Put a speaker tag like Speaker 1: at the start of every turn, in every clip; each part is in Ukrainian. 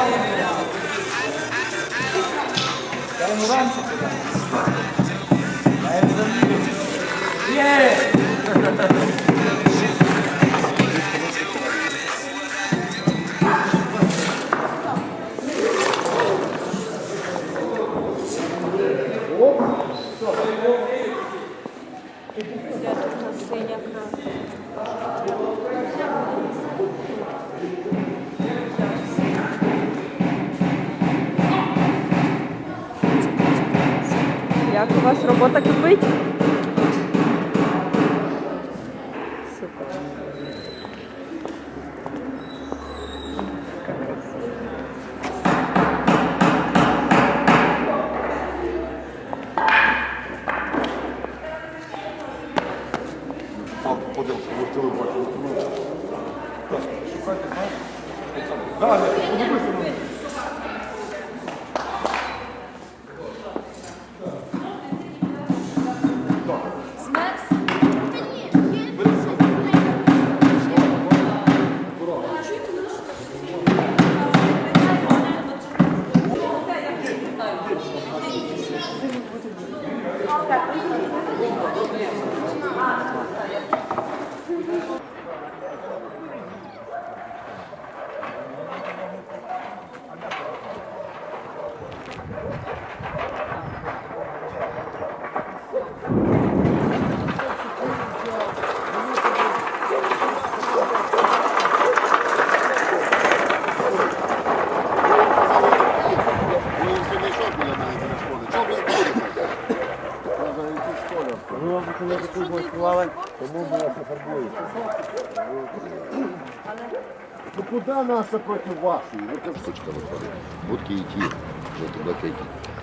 Speaker 1: Як у вас робота кипить? Супер.
Speaker 2: Подивився, ви хотіли бачити. Так, шукайте, знаєш? Так, подивися на мене. Ну куди наша проти вашої?
Speaker 3: Кусочка виходить. Будки і ті, жовто-блакитні.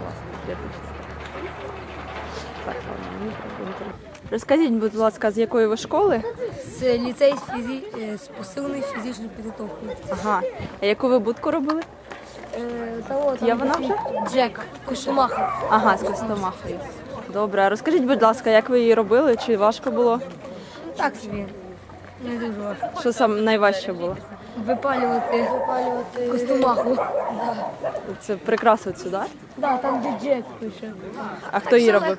Speaker 1: Розкажіть, будь ласка, з якої ви школи?
Speaker 4: З ліцей з посиленою фізичною підготовкою.
Speaker 1: Ага. А яку ви будку робили? Є вона вже?
Speaker 4: Джек, Костомаха.
Speaker 1: Ага, з Костомахою. Добре, а розкажіть, будь ласка, як ви її робили? Чи важко було?
Speaker 4: Так собі. Не дуже важко.
Speaker 1: Що саме найважче було?
Speaker 4: Випалювати Костомаху.
Speaker 1: Це прикрасу цю, так?
Speaker 4: Да, там де Джек пише.
Speaker 1: А хто її робив?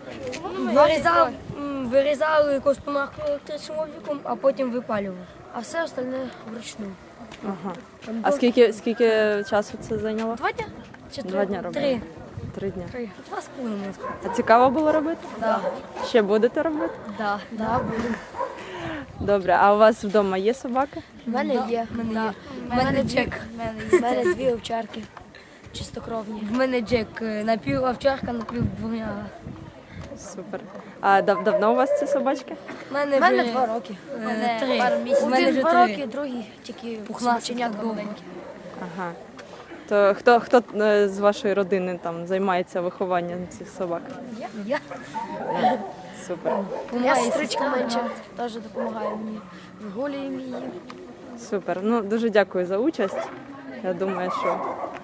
Speaker 4: Вирізали Костомаху електричним обліком, а потім випалювали. А все остальне вручну.
Speaker 1: Ага. А скільки часу це зайняло?
Speaker 4: 2 дня? Чи
Speaker 1: 2 дня робили?
Speaker 4: 3.
Speaker 1: 3 дня.
Speaker 4: 2,5 можна сказати.
Speaker 1: А цікаво було робити?
Speaker 4: Да.
Speaker 1: Ще будете робити?
Speaker 4: Да, буду.
Speaker 1: Добре, а у вас вдома є собаки?
Speaker 4: У мене є. У мене Джек. У мене 2 овчарки. Чистокровні. В мене Джек. Напів овчарка, напів дворняга.
Speaker 1: Супер. А давно у вас ці собачки?
Speaker 4: У мене 2 роки. 3. У мене вже 2 роки, другий тільки пухнастик довгенький.
Speaker 1: Ага. То хто з вашої родини там займається вихованням цих собак?
Speaker 4: Я.
Speaker 1: Супер.
Speaker 4: Моя сестричка менша теж допомагає мені. Вигулюємо її.
Speaker 1: Супер. Ну, дуже дякую за участь. Я думаю, що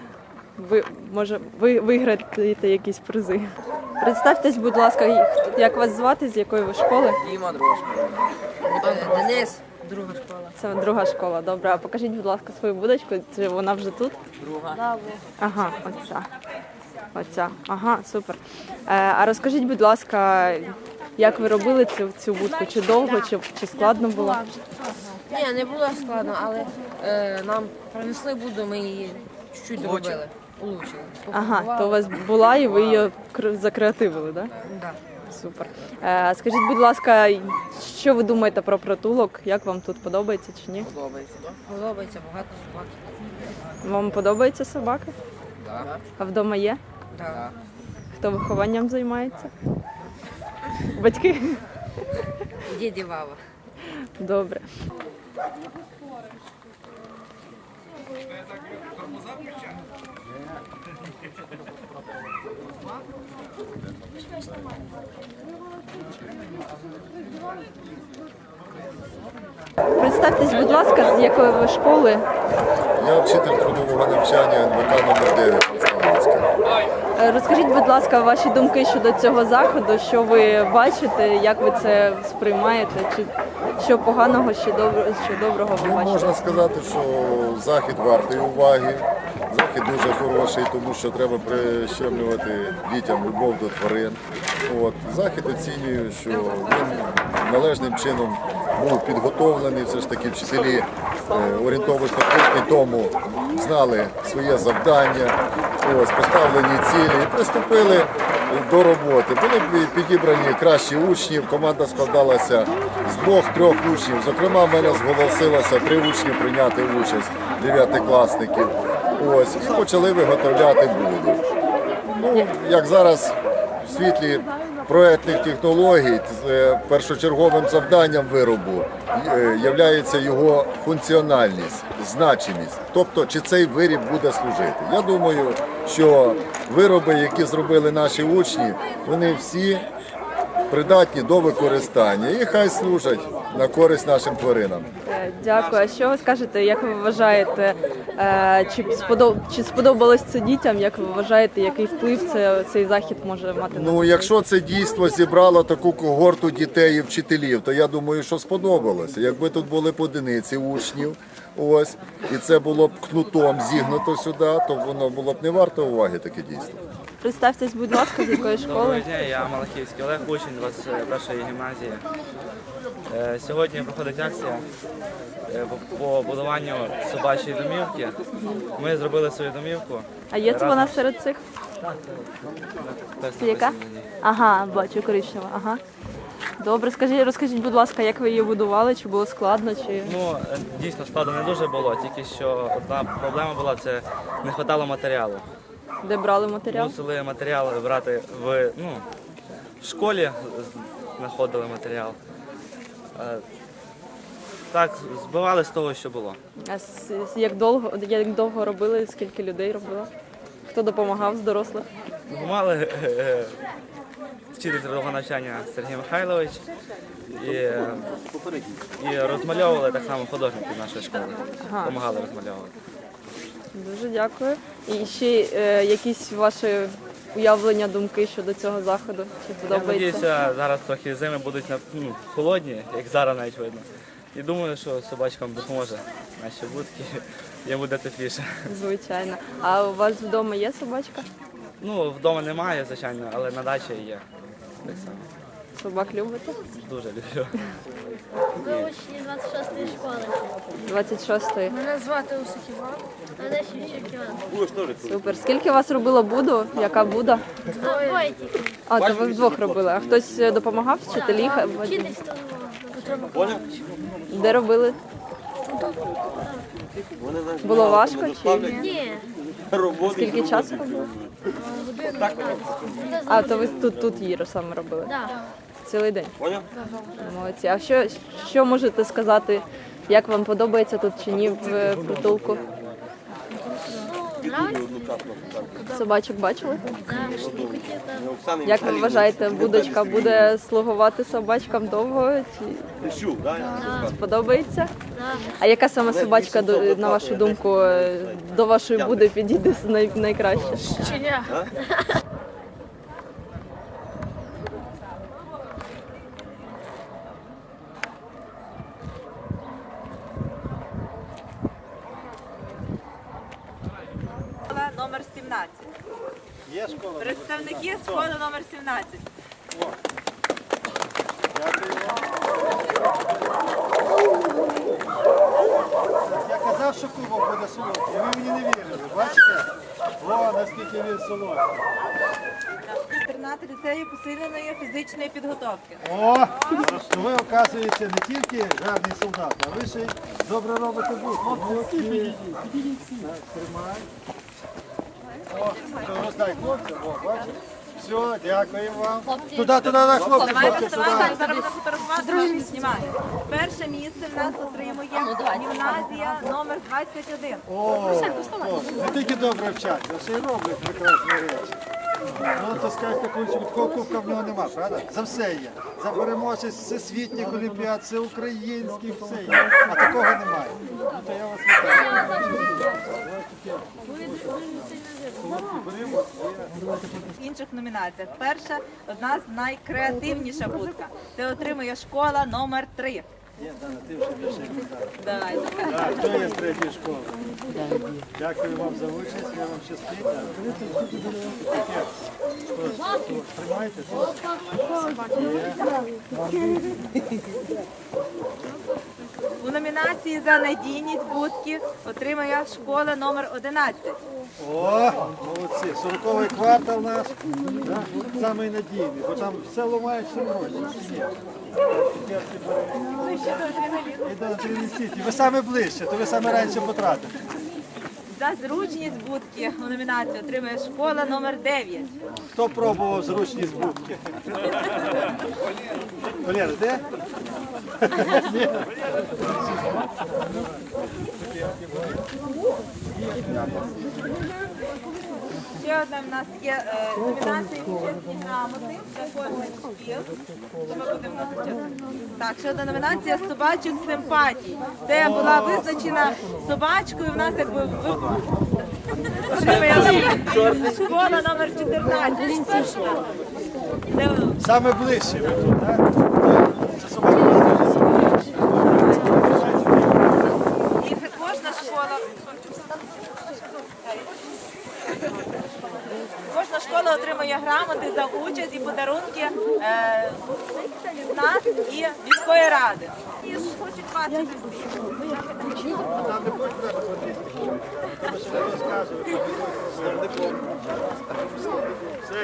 Speaker 1: ви виграєте якісь призи. Представтесь, будь ласка, як вас звати, з якої ви школи?
Speaker 5: Діма, друга школа. Денис, друга школа.
Speaker 1: Це друга школа, добре. А покажіть, будь ласка, свою будочку. Чи вона вже тут?
Speaker 5: Друга.
Speaker 1: Ага, оця. Ага, супер. А розкажіть, будь ласка, як ви робили цю будку? Чи довго, чи складно було?
Speaker 5: Ні, не було складно, але нам принесли буду, ми її чуть-чуть доробили. Улучшили.
Speaker 1: Ага, то у вас була і ви її закреативили, так?
Speaker 5: Да.
Speaker 1: Супер. Скажіть, будь ласка, що ви думаєте про притулок? Як вам тут подобається чи ні?
Speaker 5: Подобається. Подобається, багато собак.
Speaker 1: Вам подобаються собаки?
Speaker 5: Да.
Speaker 1: А вдома є?
Speaker 5: Да.
Speaker 1: Хто вихованням займається? Батьки?
Speaker 5: Діді Вава.
Speaker 1: Добре. Представтесь, будь ласка, з якої ви школи?
Speaker 3: Я вчитель трудового навчання НВК номер 9 Представницька.
Speaker 1: Розкажіть, будь ласка, ваші думки щодо цього заходу, що ви бачите, як ви це сприймаєте, чи що поганого, що доброго ви бачите?
Speaker 3: Можна сказати, що захід вартий уваги. Захід дуже хороший, тому що треба прищемлювати дітям любов до тварин. Захід оцінюю, що він належним чином був підготовлений. Все ж таки вчителі орієнтовно тому знали своє завдання, поставлені цілі і приступили до роботи. Були підібрані кращі учні, команда складалася з 2-3 учнів. Зокрема, в мене зголосилося 3 учні прийняти участь, 9-класників. І почали виготовляти буду. Як зараз в світлі проектних технологій першочерговим завданням виробу є його функціональність, значимість. Тобто, чи цей виріб буде служити. Я думаю, що вироби, які зробили наші учні, вони всі придатні до використання і хай служать на користь нашим тваринам.
Speaker 1: Дякую. А що ви скажете, як ви вважаєте, чи сподобалось це дітям? Як ви вважаєте, який вплив цей захід може мати на дітей?
Speaker 3: Якщо це дійство зібрало таку когорту дітей і вчителів, то я думаю, що сподобалося. Якби тут були по одиниці учнів, і це було б кнутом зігнуто сюди, то воно було б не варто уваги таке дійство.
Speaker 1: Представтесь, будь ласка, з якої
Speaker 6: Доброго
Speaker 1: школи?
Speaker 6: дня, я Малахівський Олег, учень 21-ї гімназії. Сьогодні проходить акція по будуванню собачої домівки. Ми зробили свою домівку.
Speaker 1: А є це вона серед цих? Це яка? Ага, бачу, коричнева. Ага. Добре, розкажіть, будь ласка, як ви її будували, чи було складно, чи...
Speaker 6: Дійсно, складно не дуже було, тільки що одна проблема була, це не вистачало матеріалу.
Speaker 1: Де брали матеріал?
Speaker 6: Мусили матеріали брати в школі, знаходили матеріал. Так, збивали з того, що було.
Speaker 1: А як довго робили, скільки людей робило? Хто допомагав з дорослих?
Speaker 6: Допомагали вчитель трудового навчання Сергій Михайлович і розмальовували так само художники нашої школи. Допомагали розмальовувати.
Speaker 1: Дуже дякую. І ще якісь ваші уявлення, думки щодо цього заходу? Чи
Speaker 6: Я
Speaker 1: подобається?
Speaker 6: сподіваюся, зараз трохи зими будуть холодні, як зараз навіть видно. І думаю, що собачкам допоможе наші будки, їм буде тепліше.
Speaker 1: Звичайно. А у вас вдома є собачка?
Speaker 6: Вдома немає, звичайно, але на дачі є. Так само.
Speaker 1: Собак любите?
Speaker 6: Дуже люблю.
Speaker 7: Ви учні 26-ї школи.
Speaker 1: 26-ї.
Speaker 4: Мене звати Усик Іван.
Speaker 7: Мене Шевчук Іван.
Speaker 1: Супер. Скільки у вас робило буду? Яка буда?
Speaker 7: Двоє тільки.
Speaker 1: А, то ви вдвох робили. А хтось допомагав? Вчителі?
Speaker 7: Вчитись то
Speaker 1: Де робили? Було важко чи
Speaker 7: ні.
Speaker 1: скільки часу робили? А, то ви тут її саме робили?
Speaker 7: Да.
Speaker 1: Цілий день? Молодці. А що можете сказати, як вам подобається тут чи ні в притулку?
Speaker 7: Нравиться?
Speaker 1: Собачок бачили?
Speaker 7: Да.
Speaker 1: Як ви вважаєте, будочка буде слугувати собачкам довго? Чи сподобається?
Speaker 7: Да.
Speaker 1: А яка саме собачка, на вашу думку, до вашої буди підійде найкраще?
Speaker 4: Щеня.
Speaker 8: Школа номер 17.
Speaker 2: Є школа?
Speaker 8: Представники школи номер 17.
Speaker 2: Я казав, що клубом буде солодкий, ви мені не вірили, бачите? Наскільки він солодкий.
Speaker 8: Інтернат ліцею посиленої фізичної підготовки.
Speaker 2: То ви, оказуєте, не тільки гарний солдат, а ви ще й добре робите будку. Тримай. Роздай хлопцям, бачите? Все, дякуємо вам. Туди, хлопці,
Speaker 8: Давайте
Speaker 2: сюди.
Speaker 8: вставайте, зараз будемо фотографувати, друге місце знімаємо. Перше місце в нас отримує гімназія номер 21.
Speaker 2: Не тільки добре вчаться, а ще й роблять прекрасні речі. То скажете, такого кубка в нього нема, правда? За все є. За переможець всесвітніх олімпіад, всеукраїнських, все є. А такого немає. То я вас
Speaker 8: В інших номінаціях. Перша, одна з найкреативніша будка. Це отримує школа номер 3.
Speaker 2: Є, Дана, ти вже більше не дав.
Speaker 8: Давай.
Speaker 2: Так, хто є з третьої школи? Дякую вам за участь, я вам щастить. Тримайте.
Speaker 8: У номінації за надійність будки отримає школа номер 11.
Speaker 2: О, молодці. 40-й квартал наш. Да? Самий надійний, бо там все ламають, все гроші. І до Тринісіті. Ви саме ближче, то ви саме раніше потратите.
Speaker 8: За зручність будки у номінації отримає школа номер 9.
Speaker 2: Хто пробував зручність будки? Валера, де? Ні.
Speaker 8: Ще одна в нас є номінація «Чесні грамоти» за кожний шкіл. Що ми будемо назначати? Так, ще одна номінація «Собачих симпатій». Це була визначена собачкою, в нас якби отримає школа номер 14. Це
Speaker 2: Саме ближче ви тут, так? Це собака.
Speaker 8: І це кожна школа. Кожна школа отримує грамоти за участь і подарунки від нас і міської ради. І ж хочуть бачити всі.
Speaker 2: Там не хочете ходити. Тому що не розказують.